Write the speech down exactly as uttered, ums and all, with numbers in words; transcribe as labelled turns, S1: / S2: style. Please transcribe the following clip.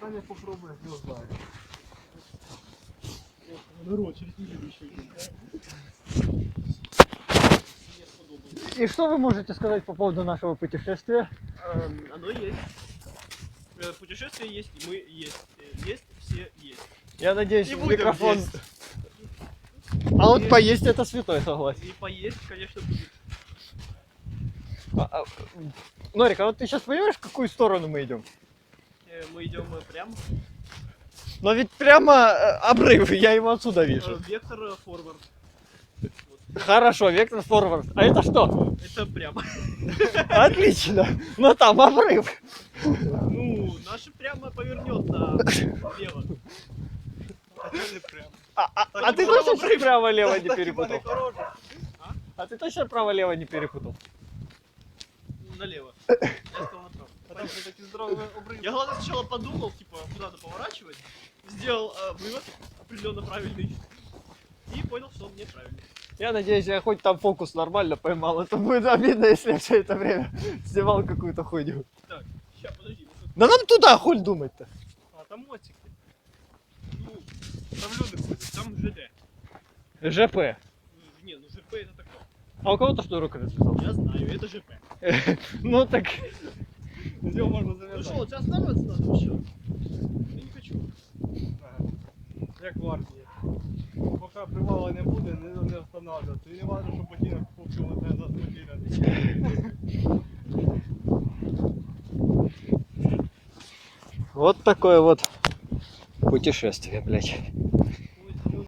S1: Таня попробует, не знаю. Народ, через неделю еще
S2: И что вы можете сказать по поводу нашего путешествия?
S1: эм, Оно есть. Э, Путешествие есть, и мы есть. Э, Есть, все есть.
S2: Я надеюсь,
S1: И будем
S2: микрофон...
S1: есть.
S2: А вот поесть это святой, согласен.
S1: И поесть, конечно, будет.
S2: А, а, Норик, а вот ты сейчас понимаешь, в какую сторону мы идем?
S1: Э, Мы идем э, прямо.
S2: Но ведь прямо э, обрыв, я его отсюда
S1: Э,
S2: вижу.
S1: Вектор э, форвард.
S2: Хорошо, вектор форвард. А это что?
S1: Это прямо.
S2: Отлично. Но там обрыв.
S1: Ну, наше прямо повернет налево.
S2: А, а-
S1: Так
S2: а
S1: и
S2: ты
S1: было
S2: точно
S1: обрыв.
S2: право-лево не
S1: Так и
S2: перепутал?
S1: было.
S2: А ты точно право-лево не перепутал?
S1: Налево. Я сказал направо. Потому что такие здоровые обрывы. Я главное сначала подумал, типа, куда надо поворачивать. Сделал э, вывод определенно правильный. И понял, что он неправильный.
S2: Я надеюсь, я хоть там фокус нормально поймал. Это будет обидно, если я все это время снимал какую-то хуйню.
S1: Так, сейчас, подожди. вот тут-
S2: Да нам туда хуль думать-то.
S1: А, там мотик. Ну, там люди ходят, там ЖД.
S2: ЖП.
S1: Ну, Не, ну ЖП это такое.
S2: А у кого то что рука рассказал?
S1: Я знаю, это ЖП.
S2: Ну так...
S1: Где можно завязать? Ну что, у тебя останавливаться надо вообще? Я не хочу.
S3: Як в армії. Поки привала не буде, не, не останавливаться. І не важливо, що ботинок купив одне за ботинок.
S2: Вот такое вот путешествие, блядь.